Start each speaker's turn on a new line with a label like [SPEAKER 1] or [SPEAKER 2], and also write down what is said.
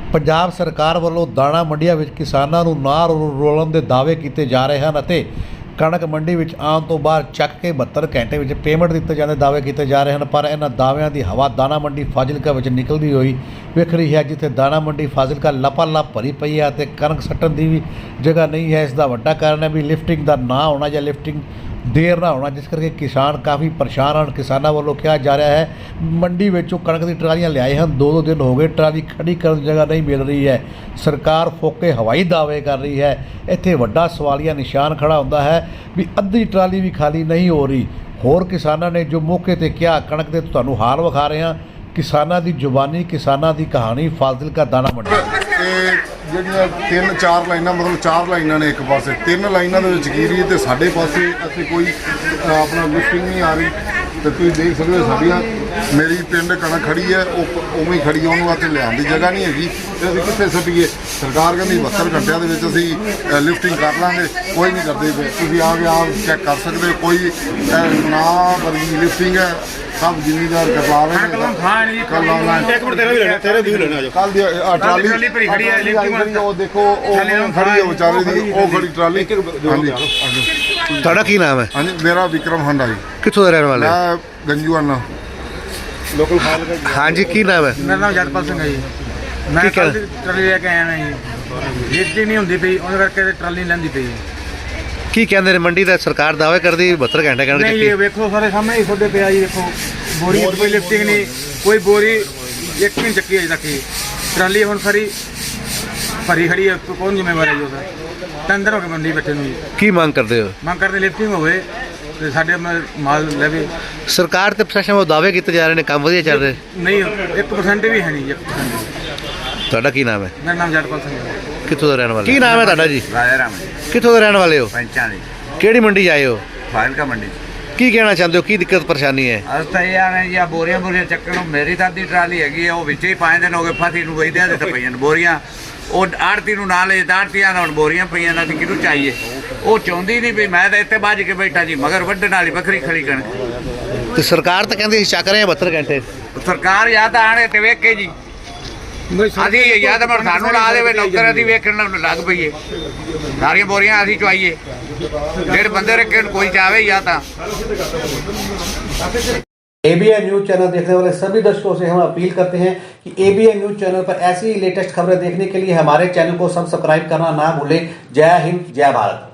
[SPEAKER 1] ਪੰਜਾਬ ਸਰਕਾਰ ਵੱਲੋਂ ਦਾਣਾ ਮੰਡੀਆਂ ਵਿੱਚ ਕਿਸਾਨਾਂ ਨੂੰ ਨਾ ਰੋਲਣ ਦੇ ਦਾਅਵੇ ਕੀਤੇ ਜਾ ਰਹੇ ਹਨ ਅਤੇ ਕਣਕ ਮੰਡੀ ਵਿੱਚ ਆਉਣ ਤੋਂ ਬਾਅਦ ਚੱਕ ਕੇ 72 ਘੰਟੇ ਵਿੱਚ ਪੇਮੈਂਟ ਦਿੱਤੇ ਜਾਣ ਦੇ ਦਾਅਵੇ ਕੀਤੇ ਜਾ ਰਹੇ ਹਨ। ਪਰ ਇਹਨਾਂ ਦਾਅਵਿਆਂ ਦੀ ਹਵਾ ਦਾਣਾ ਮੰਡੀ ਫਾਜ਼ਿਲਕਾ ਵਿੱਚ ਨਿਕਲਦੀ ਹੋਈ ਵਿਖ ਰਹੀ ਹੈ, ਜਿੱਥੇ ਦਾਣਾ ਮੰਡੀ ਫਾਜ਼ਿਲਕਾ ਲਪਾਲਪ ਭਰੀ ਪਈ ਹੈ ਅਤੇ ਕਣਕ ਸੱਟਣ ਦੀ ਵੀ ਜਗ੍ਹਾ ਨਹੀਂ ਹੈ। ਇਸ ਦਾ ਵੱਡਾ ਕਾਰਨ ਹੈ ਵੀ ਲਿਫਟਿੰਗ ਦਾ ਨਾ ਹੋਣਾ ਜਾਂ ਲਿਫਟਿੰਗ ਦੇਰ ਨਾ ਹੋਣਾ, ਜਿਸ ਕਰਕੇ ਕਿਸਾਨ ਕਾਫੀ ਪਰੇਸ਼ਾਨ ਹਨ। ਕਿਸਾਨਾਂ ਵੱਲੋਂ ਕਿਹਾ ਜਾ ਰਿਹਾ ਹੈ ਮੰਡੀ ਵਿੱਚੋਂ ਕਣਕ ਦੀ ਟਰਾਲੀਆਂ ਲਿਆਏ ਹਨ, 2-2 ਦਿਨ ਹੋ ਗਏ, ਟਰਾਲੀ ਖੜੀ ਕਰਨ ਦੀ ਜਗ੍ਹਾ ਨਹੀਂ ਮਿਲ ਰਹੀ ਹੈ। ਸਰਕਾਰ ਫੋਕੇ ਹਵਾਈ ਦਾਅਵੇ ਕਰ ਰਹੀ ਹੈ। ਇੱਥੇ ਵੱਡਾ ਸਵਾਲੀਆ ਨਿਸ਼ਾਨ ਖੜਾ ਹੁੰਦਾ ਹੈ ਵੀ ਅੱਧੀ ਟਰਾਲੀ ਵੀ ਖਾਲੀ ਨਹੀਂ ਹੋ ਰਹੀ। ਹੋਰ ਕਿਸਾਨਾਂ ਨੇ ਜੋ ਮੌਕੇ 'ਤੇ ਕਿਹਾ, ਕਣਕ ਦੇ ਤੁਹਾਨੂੰ ਹਾਲ ਵਿਖਾ ਰਹੇ ਹਾਂ, ਕਿਸਾਨਾਂ ਦੀ ਜ਼ੁਬਾਨੀ, ਕਿਸਾਨਾਂ ਦੀ ਕਹਾਣੀ, ਫਾਜ਼ਿਲਕਾ ਦਾਣਾ ਮੰਡੀ।
[SPEAKER 2] ਜਿਹੜੀਆਂ 3-4 ਲਾਈਨਾਂ, ਮਤਲਬ 4 ਲਾਈਨਾਂ ਨੇ ਇੱਕ ਪਾਸੇ, 3 ਲਾਈਨਾਂ ਦੇ ਵਿੱਚ ਗਿਰੀ ਤੇ ਸਾਡੇ ਪਾਸੇ ਅਸੀਂ ਕੋਈ ਆਪਣਾ ਲਿਫਟਿੰਗ ਨਹੀਂ ਆ ਰਹੀ। ਤੇ ਤੁਸੀਂ ਦੇਖ ਸਕਦੇ ਹੋ ਸਾਡੀਆਂ ਮੇਰੀ ਪਿੰਡ ਕਣਕ ਖੜੀ ਹੈ, ਉਹ ਉਵੇਂ ਹੀ ਖੜੀ ਹੈ, ਉਹਨੂੰ ਇੱਥੇ ਲਿਆਉਣ ਦੀ ਜਗ੍ਹਾ ਨਹੀਂ ਹੈਗੀ ਤੇ ਅਸੀਂ ਕਿੱਥੇ ਸੁੱਟੀਏ। ਸਰਕਾਰ ਕਹਿੰਦੀ 72 ਘੰਟਿਆਂ ਦੇ ਵਿੱਚ ਅਸੀਂ ਲਿਫਟਿੰਗ ਕਰ ਲਾਂਗੇ, ਕੋਈ ਨਹੀਂ ਕਰਦੇ ਪਏ। ਤੁਸੀਂ ਆ ਕੇ ਆਪ ਚੈੱਕ ਕਰ ਸਕਦੇ ਹੋ, ਕੋਈ ਨਾ ਵਰਗੀ ਲਿਫਟਿੰਗ ਹੈ। ਸਭ ਜ਼ਿਮੀਦਾਰ ਕਰਵਾ ਰਹੇ ਨੇ। ਕੱਲ ਆਨਲਾਈਨ ਇੱਕ ਮਿੰਟ ਤੇਰੇ ਵੀ ਲੈਣਾ ਜੋ ਕੱਲ ਦੀ ਟਰਾਲੀ ਭਰੀ ਖੜੀ ਹੈ, ਲਿਫਟਿੰਗ ਉਹ ਦੇਖੋ, ਉਹ ਖੜੀ ਹੈ ਵਿਚਾਰੇ ਦੀ, ਉਹ ਖੜੀ ਟਰਾਲੀ। ਹਾਂਜੀ,
[SPEAKER 1] ਤੁਹਾਡਾ ਕੀ ਨਾਮ ਹੈ?
[SPEAKER 2] ਹਾਂਜੀ, ਮੇਰਾ ਵਿਕਰਮ ਹੰਡਾ ਜੀ।
[SPEAKER 1] ਕਿੱਥੋਂ ਦੇ ਰਹਿਣ ਵਾਲੇ?
[SPEAKER 2] ਮੈਂ ਗੰਜੂਆਣਾ ਲੋਕਲ ਫਾਜ਼ਿਲਕਾ।
[SPEAKER 1] ਹਾਂਜੀ, ਕੀ ਨਾਮ ਹੈ?
[SPEAKER 3] ਮੇਰਾ ਨਾਮ ਜਗਪਾਲ ਸਿੰਘ ਹੈ ਜੀ। ਮੈਂ ਟਰਾਲੀ ਲੈ ਕੇ ਆਇਆ ਮੈਂ ਜੀ, ਲਿਫਟਿੰਗ ਨਹੀਂ ਹੁੰਦੀ ਪਈ, ਉਹਦੇ ਕਰਕੇ ਟਰਾਲੀ ਨਹੀਂ ਲੈਂਦੀ ਪਈ।
[SPEAKER 1] ਕੀ ਕਹਿੰਦੇ ਨੇ ਮੰਡੀ ਦਾ? ਸਰਕਾਰ ਦਾਅਵੇ ਕਰਦੀ 72 ਘੰਟੇ ਕਣਕ
[SPEAKER 3] ਨਹੀਂ, ਇਹ ਵੇਖੋ ਸਾਰੇ ਸਾਹਮਣੇ ਹੀ ਤੁਹਾਡੇ ਪਿਆ ਜੀ। ਦੇਖੋ ਬੋਰੀ ਕੋਈ ਲਿਫਟਿੰਗ ਨਹੀਂ, ਕੋਈ ਬੋਰੀ ਇੱਕ ਨਹੀਂ ਚੱਕੀ ਅਜੇ ਤੱਕ। ਟਰਾਲੀ ਹੁਣ ਸਾਰੀ ਭਰੀ ਖੜੀ ਹੈ, ਕੌਣ ਜ਼ਿੰਮੇਵਾਰ ਹੈ ਜੀ ਉਹਦਾ? 3 ਦਿਨ ਹੋ ਗਏ ਮੰਡੀ ਬੈਠੇ ਨੂੰ ਜੀ।
[SPEAKER 1] ਕੀ ਮੰਗ ਕਰਦੇ ਹੋ?
[SPEAKER 3] ਮੰਗ ਕਰਦੇ ਲਿਫਟਿੰਗ ਹੋਵੇ ਤੇ ਸਾਡੇ ਮਾਲ ਲਵੇ।
[SPEAKER 1] ਸਰਕਾਰ ਤੇ ਪ੍ਰਸ਼ਾਸਨ ਵੱਲੋਂ ਦਾਅਵੇ ਕੀਤੇ ਜਾ ਰਹੇ ਨੇ, ਕੰਮ ਵਧੀਆ ਚੱਲ ਰਿਹਾ
[SPEAKER 3] ਨਹੀਂ, 1% ਵੀ ਹੈ ਨਹੀਂ ਜੀ, 1%।
[SPEAKER 1] ਤੁਹਾਡਾ ਕੀ ਨਾਮ ਹੈ?
[SPEAKER 3] ਮੇਰਾ ਨਾਮ ਜਗਪਾਲ ਸਿੰਘ ਹੈ।
[SPEAKER 1] ਕਿੱਥੋਂ ਦਾ ਰਹਿਣ ਵਾਲੇ? ਕੀ ਨਾਮ ਹੈ ਤੁਹਾਡਾ ਜੀ?
[SPEAKER 4] ਰਾਜਾ ਰਾਮ ਜੀ,
[SPEAKER 1] ਕਿੱਥੋਂ ਦੇ ਰਹਿਣ ਵਾਲੇ ਹੋ?
[SPEAKER 4] ਪੰਚਾਂ ਦੀ
[SPEAKER 1] ਕਿਹੜੀ ਮੰਡੀ ਆਏ ਹੋ?
[SPEAKER 4] ਫਾਜ਼ਿਲਕਾ ਮੰਡੀ।
[SPEAKER 1] ਕੀ ਕਹਿਣਾ ਚਾਹੁੰਦੇ ਹੋ? ਕੀ ਦਿੱਕਤ ਪਰੇਸ਼ਾਨੀ ਹੈ?
[SPEAKER 4] ਅਸ ਤਾਂ ਇਹ ਆਣੇ ਜਾਂ ਬੋਰੀਆਂ ਚੱਕਣ ਨੂੰ। ਮੇਰੀ ਤਾਂ ਅੱਧੀ ਟਰਾਲੀ ਹੈਗੀ ਹੈ, ਉਹ ਵਿੱਚੇ ਹੀ 5 ਦਿਨ ਹੋ ਗਏ ਫਸੀ ਨੂੰ ਵਈਦਿਆਂ ਦੇ ਤਾਂ ਪਈਆਂ ਨੇ ਬੋਰੀਆਂ। ਉਹ ਆੜਤੀ ਨੂੰ ਨਾਲ ਲੈ ਆੜਤੀਆਂ ਨਾਲ ਹੁਣ ਬੋਰੀਆਂ ਪਈਆਂ ਨੇ, ਕਿਹਨੂੰ ਚਾਹੀਏ? ਉਹ ਚਾਹੁੰਦੀ ਨਹੀਂ ਵੀ ਮੈਂ ਤਾਂ ਇੱਥੇ ਬੱਝ ਕੇ ਬੈਠਾ ਜੀ, ਮਗਰ ਵੱਢਣ ਵਾਲੀ ਵੱਖਰੀ ਖੜੀ ਕਣਕ।
[SPEAKER 1] ਤੇ ਸਰਕਾਰ ਤਾਂ ਕਹਿੰਦੀ ਅਸੀਂ ਚੱਕ ਰਹੇ ਹਾਂ 72 ਘੰਟੇ।
[SPEAKER 4] ਸਰਕਾਰ ਜਾਂ ਤਾਂ ਆਣੇ ਤੇ ਵੇਖੇ ਜੀ, ਅਸੀਂ ਜਾਂ ਤਾਂ ਸਾਨੂੰ ਲਾ ਦੇਵੇ ਨੌਕਰ, ਅਸੀਂ ਵੇਖਣ ਲੱਗ ਪਈਏ, ਸਾਰੀਆਂ ਬੋਰੀਆਂ ਅਸੀਂ ਚੁਆਈਏ। ਜਿਹੜੇ ਬੰਦੇ ਰੱਖੇ कोई चाहे या था।
[SPEAKER 5] ABN न्यूज चैनल देखने वाले सभी दर्शकों से हम अपील करते हैं कि ABN न्यूज चैनल पर ऐसी लेटेस्ट खबरें देखने के लिए हमारे चैनल को सब्सक्राइब करना ना भूलें। जय हिंद, जय भारत।